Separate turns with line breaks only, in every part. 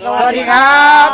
สวัสดีครับ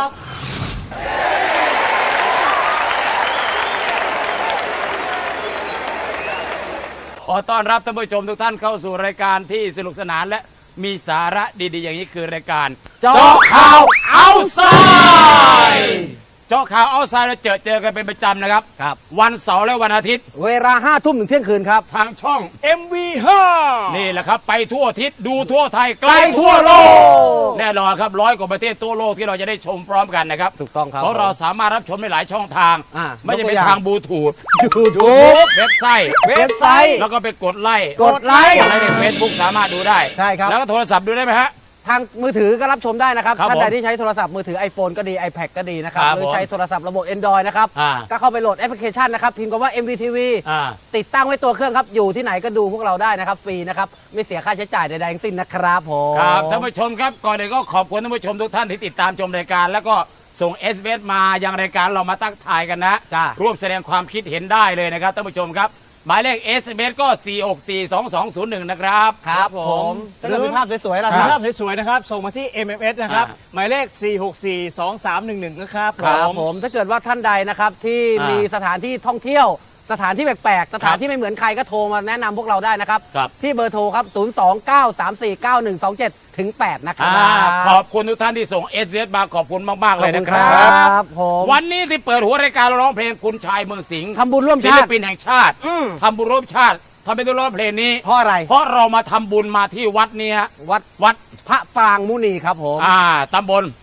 ขอต้อนรับท่านผู้ชมทุกท่านเข้าสู่รายการที่สนุกสนานและมีสาระดีๆอย่างนี้คือรายการเจาะข่าวเอาไซด์เจาะข่าวเอาไซด์เราเจอกันเป็นประจำนะครับวันเสาร์และวันอาทิตย์
เวลา5 ทุ่มถึงเที่ยงคืนครับ
ทางช่อง
MV5
นี่แหละครับไปทั่วอาทิตย์ดูทั่วไทยใกล้ทั่วโลกแน่นอนครับ100 กว่าประเทศทั่วโลกที่เราจะได้ชมพร้อมกันนะครับ
ถูกต้องครับ
เพราะเราสามารถรับชมได้หลายช่องทางไม่จะเป็นทางบลูทูธเว็บไซต์แล้วก็ไปกดไลค์ในเฟซบุ๊กสามารถดูได้
ใช่ครับ
แล้วก็โทรศัพท์ดูได้ไหมฮะ
ทางมือถือก็รับชมได้นะครับท่านใดที่ใช้โทรศัพท์มือถือ iPhone ก็ดี iPad ก็ดีนะครับหรือใช้โทรศัพท์ระบบ Android นะครับก็เข้าไปโหลดแอปพลิเคชันนะครับพิมพ์คำว่า MVTV ติดตั้งไว้ตัวเครื่องครับอยู่ที่ไหนก็ดูพวกเราได้นะครับฟรีนะครับไม่เสียค่าใช้จ่ายใดๆทั้งสิ้นนะครับผม
ครับท่านผู้ชมครับก่อนอื่นก็ขอบคุณท่านผู้ชมทุกท่านที่ติดตามชมรายการแล้วก็ส่ง SMS มายังรายการเรามาตั้งทายกันนะร่วมแสดงความคิดเห็นได้เลยนะครับท่านผู้ชมครับหมายเลข SMS ก็ 4642201 นะครับ
ครับผมถ้าเกิดมีภาพสวยๆล่ะ
มีภาพสวยๆนะครับส่งมาที่ MMS นะครับหมายเลข 4642311 นะครับ
ผมถ้าเกิดว่าท่านใดนะครับที่มีสถานที่ท่องเที่ยวสถานที่แปลกๆสถานที่ไม่เหมือนใครก็โทรมาแนะนำพวกเราได้นะครับที่เบอร์โทรครับ 029349127ถึง8นะครับ
ขอบคุณทุกท่านที่ส่ง SMS มาขอบคุณมากๆเลยนะครับวันนี้ที่เปิดหัวรายการร้องเพลงคุณชายเมืองสิงห์
ทำบุญร่วม
ชาติศิลปินแห่งชาติทำบุญร่วมชาติทำเป็นตัวร้องเพลงนี้
เพราะอะไร
เพราะเรามาทำบุญมาที่วัดเนี้ยวัด
พระปรางมุนีครับผม
ตำบล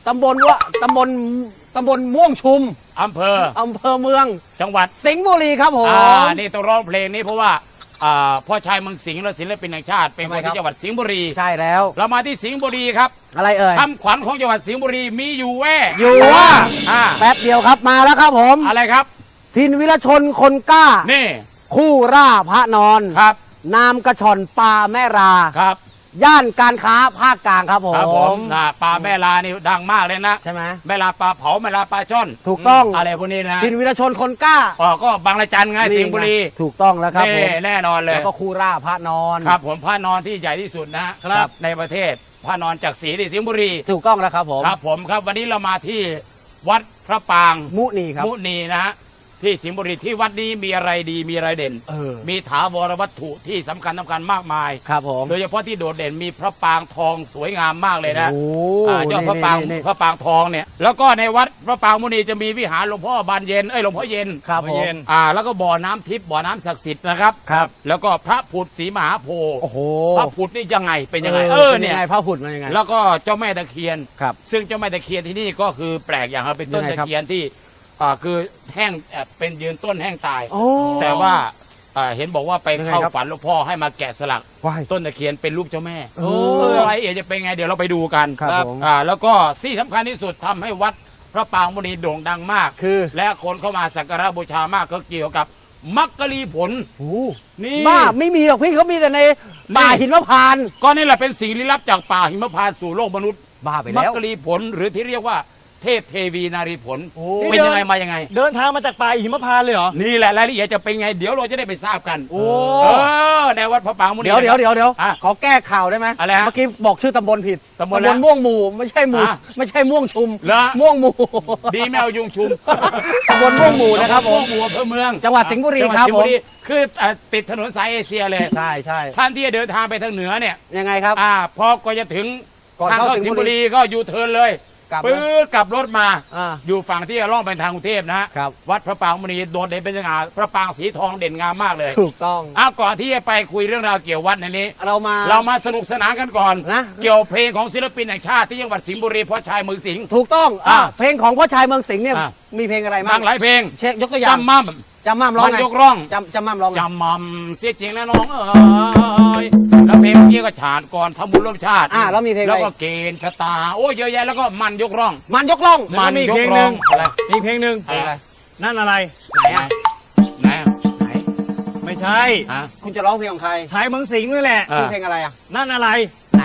ม่วงชุม
อำเภ
อเมือง
จังหวัด
สิงห์บุรีครับผม
นี่ต้องร้องเพลงนี้เพราะว่าพ่อชายเมืองสิงห์และศิลปินแห่งชาติเป็นคนที่จังหวัดสิงห์บุรี
ใช่แล้ว
เรามาที่สิงห์บุรีครับ
อะไรเอ่ย
คำขวัญของจังหวัดสิงห์บุรีมีอยู่
ว่าแป๊บเดียวครับมาแล้วครับผม
อะไรครับ
ทินวิรชนคนกล้า
นี่
คู่ร่าพระนอน
ครับ
นามกระชอนปลาแม่รา
ครับ
ย่านการค้าภาคกลางครับผม
ปลาแม่ลานี่ดังมากเลยนะ
ใช่ไหม
แม่ลาปลาเผาแม่ลาปลาช่อน
ถูกต้อง
อะไรพวกนี้นะ
ทินวิรชนคนกล้า
ก็บางระจันไงสิงห์บุรี
ถูกต้องแล้วครับ
แน่นอนเลย
แล้วก็คู่ร่าพระนอน
ครับผมพระนอนที่ใหญ่ที่สุดนะครับในประเทศพระนอนจากศรีสิงห์บุรี
ถูกต้องแล้วครับผม
ครับผมครับวันนี้เรามาที่วัดพระปาง
มุนีครับ
มุนีนะฮะที่สิงห์บุรีที่วัดนี้มีอะไรดีมีอะไรเด่นมีถาวรวัตถุที่สำคัญมากมาย
ครับผม
โดยเฉพาะที่โดดเด่นมีพระปางทองสวยงามมากเลยนะยอดพระปางทองเนี่ยแล้วก็ในวัดพระปางมุนีจะมีวิหารหลวงพ่อบานเย็นหลวงพ่อเย็น
ครับผม
แล้วก็บ่อน้ำทิพย์บ่อน้ำศักดิ์สิทธิ์นะครับแล้วก็พระผุดศรีมหาโพธิ์พระผุดนี่ยังไงเป็นยังไง
เนี่ยพระผุดมันยังไง
แล้วก็เจ้าแม่ตะเคียน
ครับ
ซึ่งเจ้าแม่ตะเคียนที่นี่ก็คือแปลกอย่างเป็นต้นตะเคียนที่คือแห้งเป็นยืนต้นแห้งตายแต่ว่าเห็นบอกว่าไปเข้าฝันหลวงพ่อให้มาแกะสลักต้นตะเคียนเป็นรูปเจ้าแม่อะไรจะเป็นไงเดี๋ยวเราไปดูกัน
ครับ
แล้วก็ที่สำคัญที่สุดทำให้วัดพระปางมุนีโด่งดังมาก
คือ
และคนเข้ามาสักการะบูชามากก็เกี่ยวกับมักกะลีผล
นี่บ้าไม่มีหรอกพี่เขามีแต่ในป่าหิมพานต์
ก็นี่แหละเป็นสิ่งลี้ลับจากป่าหิมพานต์สู่โลกมนุษย์
บ้าไปแล้ว
มักกะลีผลหรือที่เรียกว่าเทพเทวีนารีผลเป็นยังไงมายังไง
เดินทางมาจากป่าหิมพานต์เลยเหรอ
นี่แหละรายละเอียดจะเป็นไงเดี๋ยวเราจะได้ไปทราบกันในวัดพระปางมุนี
เดี๋ยวขอแก้ข่าวได้ไหม
อะไร
เมื่อกี้บอกชื่อตำบลผิด
ตำบล
ม่วงหมู่ไม่ใช่ม่วงชุมม่วงหมู่
ดีแมวยุงชุม
ตำบลม่วงหมู่นะครับ
ม่วงหมู่อำเภอเมือง
จังหวัดสิงห์บุรีครับผม
คือติดถนนสายเอเชียเลย
ใช่
ท่านที่จะเดินทางไปทางเหนือเนี่ย
ยังไงครับ
พอก็จะถึงทางเข้าสิงห์บุรีก็ยูเทิร์นเลยปื๊ดกลับรถมาอยู่ฝั่งที่จะล่องไปทางกรุงเทพนะวัดพระปางมุนีโดดเด่นเป็นสง่าพระปางสีทองเด่นงามมากเลย
ถูกต้อง
ก่อนที่จะไปคุยเรื่องราวเกี่ยววัดในนี้
เรา
มาสนุกสนานกันก่อน
นะ
เกี่ยวเพลงของศิลปินแห่งชาติที่จังหวัดสิงห์บุรีพ่อชายเมืองสิงห์
ถูกต้องเพลงของพ่อชายเมืองสิงห์เนี่ยมีเพลงอะไรบ้าง
หลายเพลง
เช็คยกตัวอย่างจำมั่มร้องไง
ยกร้อง
จำมั่มร้อง
จำมั่มเสียจริงแล้วน้องแล้วเพลงเมื่อกี้ก็ฉาดก่อนทำบุญร่วมชาติ
แล้วมีเพลง
แล้วก็เกณฑ์ชะตาโอ้ยเยอะแยะแล้วก็มันยกร้อง
มันยกร้อง
มีเพลงหนึ่งมีเพลงหนึ่งนั่นอะไร
ไหน
ไม่ใช่
คุณจะร้องเพลงของใคร
ชายเมืองสิงห์นี่แหละ
เพลงอะไร
นั่นอะไร
ไหน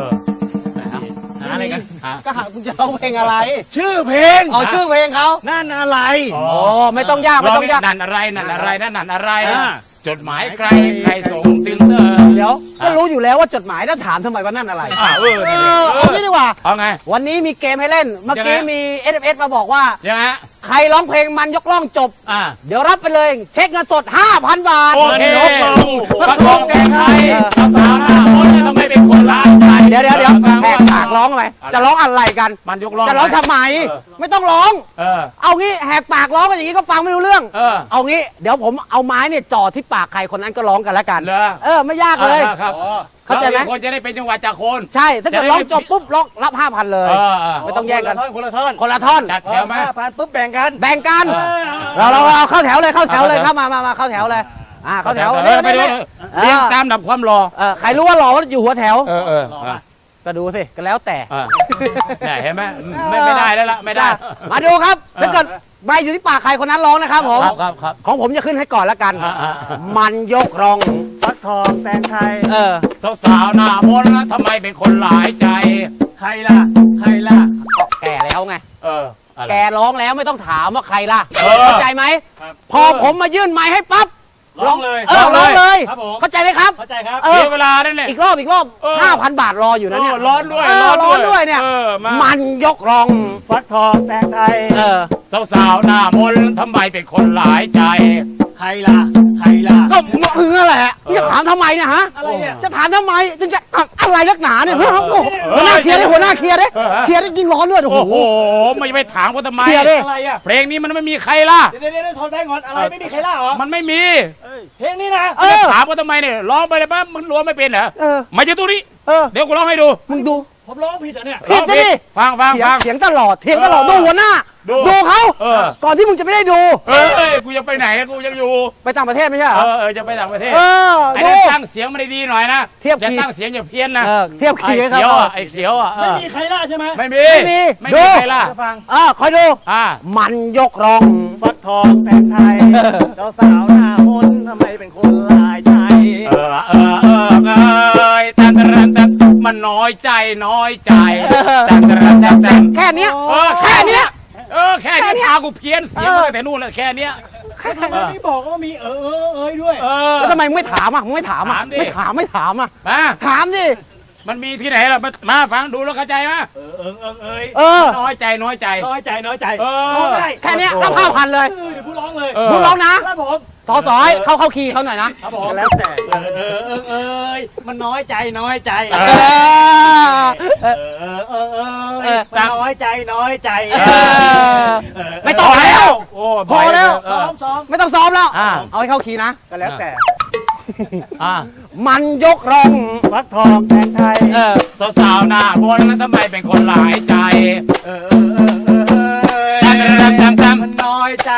อะไรกันก็หาคุณจะร้องเพลงอะไร
ชื่อเพลง
ชื่อเพลงเขา
นั่นอะไร
ไม่ต้องยาก
นั่นอะไรนั่นอะไรจดหมายใครส่งถึงเธอ
เดี๋ยวก็รู้อยู่แล้วว่าจดหมายแล้วถามทำไมว่านั่นอะไร เอางี้ดีกว่า
เอาไง
วันนี้มีเกมให้เล่นเมื่อกี้มี SMS มาบอกว่า
ยังไง
ใครร้องเพลงมันยกล่องจบ เดี๋ยวรับไปเลยเช็คเงินสด 5,000 บาท
โอเคฟักทองแกงไทยสาวหน้ามนต์ทำไมเป็นคนร้ายใจ
เดี๋ยวแหกปากร้องทำไมจะร้องอะไรกัน
มันยกร้อง
จะร้องทำไมไม่ต้องร้อง เอางี้แหกปากร้องกันอย่างนี้ก็ฟังไม่รู้เรื่อง เอางี้เดี๋ยวผมเอาไม้เนี่ยจ่อที่ปากใครคนนั้นก็ร้องกันแล้วกันไม่ยากเลย
ครับ
เข้าใจไหม
คนจะได้เป็นจังหวะจากคน
ใช่ถ้าเกิดร้องจบปุ๊บร้องรับ 5,000 เลยไม่ต้องแยกกัน
คนละท่อน
คนละท่อน
จัดแถวไหม
5,000ปุ๊บแบ่งกัน
แบ่งกันเราเข้าแถวเลยเข้าแถวเลยเข้ามาเข้าแถวเลยเข้าแถว
ไปดูเรียงตามดับความรอ
ใครรู้ว่าหล่ออยู่หัวแถว ก็ดูสิก็แล้วแต่
เนี่ยเห็นไหมไม่ได้แล้วล่ะไม่ได้
มาดูครับถ้าเกิดใบอยู่ที่ปากใครคนนั้นร้องนะครับผม
ครับ
ของผมจะขึ้นให้ก่อนแล้วกัน มันยกรอง
ฟักทองแตงไทย
สาวหน้ามนต์ทำไมเป็นคนหลายใจ
ใครล่ะ
แก่แล้วไง
อะไร
แกร้องแล้วไม่ต้องถามว่าใครล่ะ
เออ
เข้าใจไหม
ครับ
พอผมมายื่นไม้ให้ปั๊บ
ร้องเลย
ร้องเลย
ครับผม
เข้าใจไหมครับ
เข้าใจครับ
เอ
เสี
อย
เวลานั่นแหละ
อีกรอบ 5,000 บาทรออยู่นะเนี่ย
ร้อนด้วย
ร้อนด้วยเนี่ย
มา
มันยกรอง
ฟักทองแตงไทย
สาวหน้ามนต์ทำไมเป็นคนหลายใจ
ใครล่ะ
ก็มึงนั่นแหละจะถามทำไมเนี่ยฮะ
อะไรเนี่ย
จะถามทำไมจึงจะอะไรนักหนาเนี่ยหัวหน้าเคลียร์ได้เคลียร์ได้ยิ่งร้อนด้วยโอ้
โอ้
โห
โหไม่ไปถามเขาทำไม
เคลียร์ดิ
อะไรอ่ะ
เพลงนี้มันไม่มีใครล่ะ
เดี๋ยวทนได้งอนอะไรไม่มีใครล่ะเหรอ
มันไม่มี
เพลงนี้นะ
ถามเขาทำไมเนี่ยร้องไปเลยปั๊บมึงร้องไม่เป็นเหรอ มาจากตรงนี้ เดี๋ยวกูร้องให้ดู
มึงดู
ผมร้องผิดเหรอเนี่ย
ผิดดิ
ฟัง
เถียงตลอดดูหัวหน้า ดูเขาก่อนที่มึงจะไม่ได้ดู
เอ้ยกูจะไปไหนกูยังอยู่
ไปต่างประเทศไม่ใช่เหรอ
จะไปต่างประเทศ ไอ้
ดู
นั่นตั้งเสียงมันดีๆหน่อยนะ
เทียบ
อย่า
คีย์
ตั้งเสียงอย่าเพี้ยนนะ
เทียบคีย์
ไอ้
ครับ
เขียวอ่ะไอ้เขียวอ่ะ
ไม่มีใครล่ะใช่ไหม
ไม่มี
ไม่มี
ใครล่ะ
จะฟัง
คอยดู
อ่า
มันยกรอง
ฟักทองแตงไทยสาวหน้ามนต์ทำไมเป็นคนหลายใจ
แต่มันน้อยใจแต่
แค่เนี้ย
แค่เนี้ยแค่นี้พากูเพี้ยนเสียงมาตั้งแต่นู่นแล้วแค่เนี้ย
ทำไมไม่บอกว่ามีด้วย
แล้วทำไมมึงไม่ถามอ่ะมึงไม่ถามอ่ะ
ถามดิ
ไม่ถามอ่ะ
มา
ถามดิ
มันมีที่ไหนล่ะมาฟังดูแล้วเข้าใจไหม น้อยใจ
น้อยใจ
แค่เนี้ยรับ 5,000 เลย
เดี๋ยวพูดร้องเลย
มึงร้องนะ
ครับผม
ทอสอยเข้าคีย์เขาหน่อยนะครับ
ผมแล้วแต่มันน้อยใจมันน้อยใจ
ไม่ต้องแล้ว พอแล้ว
ซ้อม
ไม่ต้องซ้อมแล้ว เอาให้เข้าคีย์นะ
ก็แล้วแต่
มันยกรอง
ฟักทองแตงไทย
สาวหน้าบนแล้วทำไมเป็นคนหลายใจ
มันน้อยใจ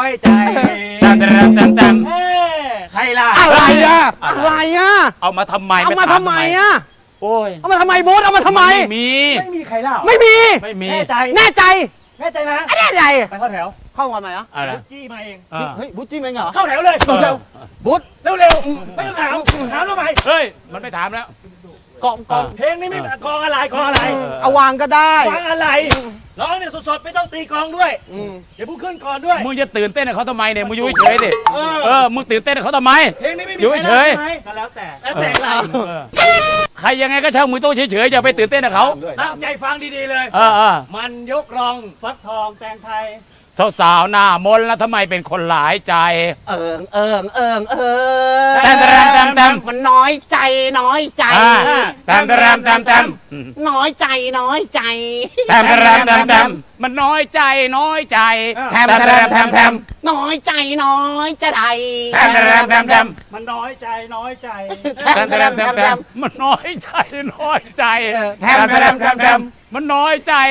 ใครล่ะ
อะไรอ่ะ
เอามาทำไม
เอามาทำไมอ่ะ
โอ้ย
เอามาทำไมบูธเอามาทำไม
มี
ไม่มีใครล่ะ
ไม่มี
แน่ใจ
แน่ใจ
นะ
แน่ใจ
ไปเข้าแถว
เข้ามาไหนอ่ะ
อะไร
จี้มาเอง
เฮ้ยบูธจิ้มเองเหรอ
เข้าแถวเลย
บูธ
เร็วไม่ต้องถามทำไม
เฮ้ยมันไม่ถามแล้ว
กอง
เพลงนี้ไม่กองอะไร
เอาวางก็ได้
วางอะไรร้องเนี่ยสดๆไม่ต้องตีกลองด้วยเดี๋ยวพูดขึ้นก่อนด้วย
มึงจะตื่นเต้นกับเขาทำไมเนี่ยมึงอยู่เฉยๆดิมึงตื่นเต้นกับเขาทำไม
เพลงนี้ไม่มี
อยู่เฉย
ก็แล้วแต่อะไร
ใครยังไงก็ช่างมึงต้องเฉยๆอย่าไปตื่นเต้นกับเขา
ตั้งใจฟังดีๆเลยมันยกรองฟักทองแตงไทย
สาวหน้ามนต์แล้วทำไมเป็นคนหลายใจ
มันน้อยใจน้อยใจ
แตม
น้อยใจน้อยใจ
มันน้อยใจ
แถมน้อยใจน้อยจะใด
มันน้อยใจ
มันน้อยใจมันน้อยใจมันน้อยใจ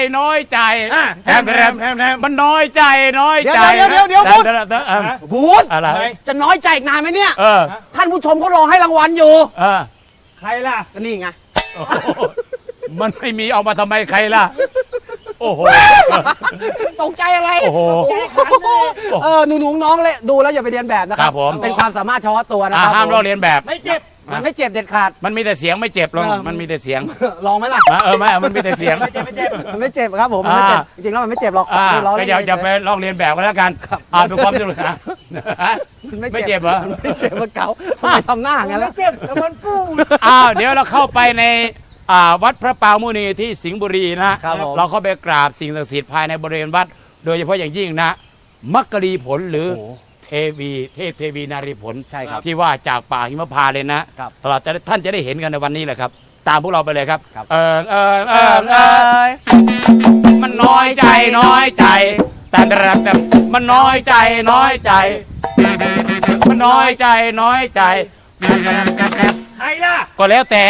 บูธ
อะไร
จะน้อยใจอีกนานไหมเนี่ย
เออ
ท่านผู้ชมเขารอให้รางวัลอยู่
ใครล่ะ
ก็นี่ไง
มันไม่มีเอามาทำไมใครล่ะ โอ้โห
ตกใจอะไร
โอ้โห
หนูน้องเลยดูแล้วอย่าไปเรียนแบบนะค
ครั
รับบ
ผม
เป็นความสามารถเฉพาะตัวนะครับ
ห้ามลอกเลียนแบบ
ไม่เจ็บ
มันไม่เจ็บเด็ดขาด
มันมีแต่เสียงไม่เจ็บหรอกมันมีแต่เสียง
ลองไหมล่ะ
ไม่มันมีแต่เสียง
ไม่เจ็บ
มันไม่เจ็บครับผมมันไม่เจ็บจริงๆแล้วมันไม่เจ็บหรอก
ก็อย่าไปลอกเลียนแบบกันแล้วกันเป็นความสนุกนะไม่เจ็บเหรอ
ไม่เจ็บมันเก่าไม่ทำหน้างั้นแล้ว
เจ็บแต่มันปูด
เดี๋ยวเราเข้าไปในวัดพระปรางมุนีที่สิงห์บุรีนะครับ
ผม
เราเข้าไปกราบสิ่งศักดิ์สิทธิ์ภายในบริเวณวัด โดยเฉพาะอย่างยิ่งนะมักกะลีผลหรือเทวีนารีผล
ใช่ครับ
ที่ว่าจากป่าหิมพานต์เลยนะครับ ตลอดท่านจะได้เห็นกันในวันนี้แหละครับ ตามพวกเราไปเลยครับ
ครับ
มันน้อยใจแต่มันน้อยใจมันน้อยใจ
ใครล่ะ
ก็แล้วแต่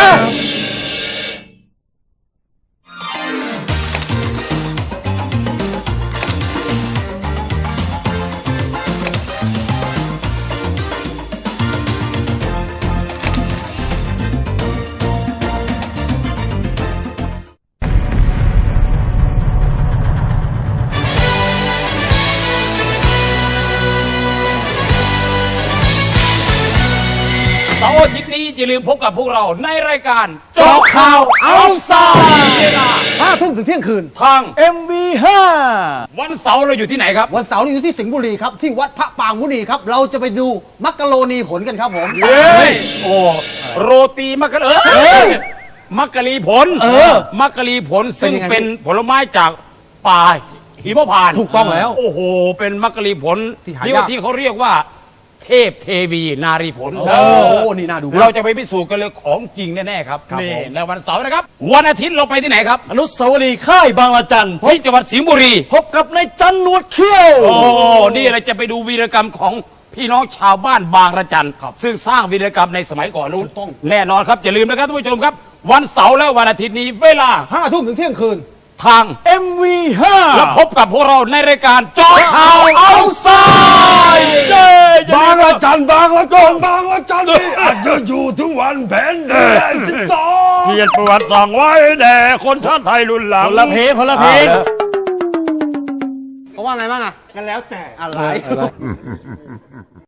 เสาร์อาทิตย์นี้อย่าลืมพบกับพวกเราในรายการเจาะข่าวเอาไซด์เวลา
5 ทุ่มถึงเที่ยงคืน
ทาง
MV5
วันเสาร์เราอยู่ที่ไหนครับ
วันเสาร์นี้อยู่ที่สิงห์บุรีครับที่วัดพระปรางมุนีครับเราจะไปดูมักกะโรนีผลกันครับผม
เฮ้ยโอ้โรตีมักกะมักกะลีผลมักกะลีผลซึ่ง
เป็นยังไง
เป็นผลไม้จากป่าหิมพานต์
ถูกต้องแล้ว
โอ้โหเป็นมักกะลีผล
ที่หายาก
นี่ว่าที่เขาเรียกว่า เทพเทวีนารีผล
โอ้นี่น่าดูมาก
เราจะไปพิสูจน์กันเลยของจริงแน่ๆครับ
ครับ
นี่
ผม
ในวันเสาร์นะครับ วันอาทิตย์เราไปที่ไหนครับ
อนุสาวรีย์ค่ายบางละจัน
ที่จังหวัดสิงห์บุรี
พบกับนายจันหนวดเขี้ยว
โอ้ นี่เราจะไปดูวีรกรรมของพี่น้องชาวบ้านบางระจันซึ่งสร้างวีรกรรมในสมัยก่อนนู้นแน่นอนครับอย่าลืมนะครับท่านผู้ชมครับ วันเสาร์และวันอาทิตย์นี้เวลา
5 ทุ่มถึงเที่ยงคืน
ทาง
MV5
แล้วพบกับพวกเราในรายการเจาะข่าวเอาไซด์เย้
บางละจันบางละกงบางละจันที่อาจจะอยู่ทุกวันแผ่นดิน12
เขียนประวัติสั่งไว้แด่คนชาติไทยรุ่นหลัง
คนละเพลงคนละเพลง
เขาว่าไงบ้างอะ
กันแล้วแต่
อะไร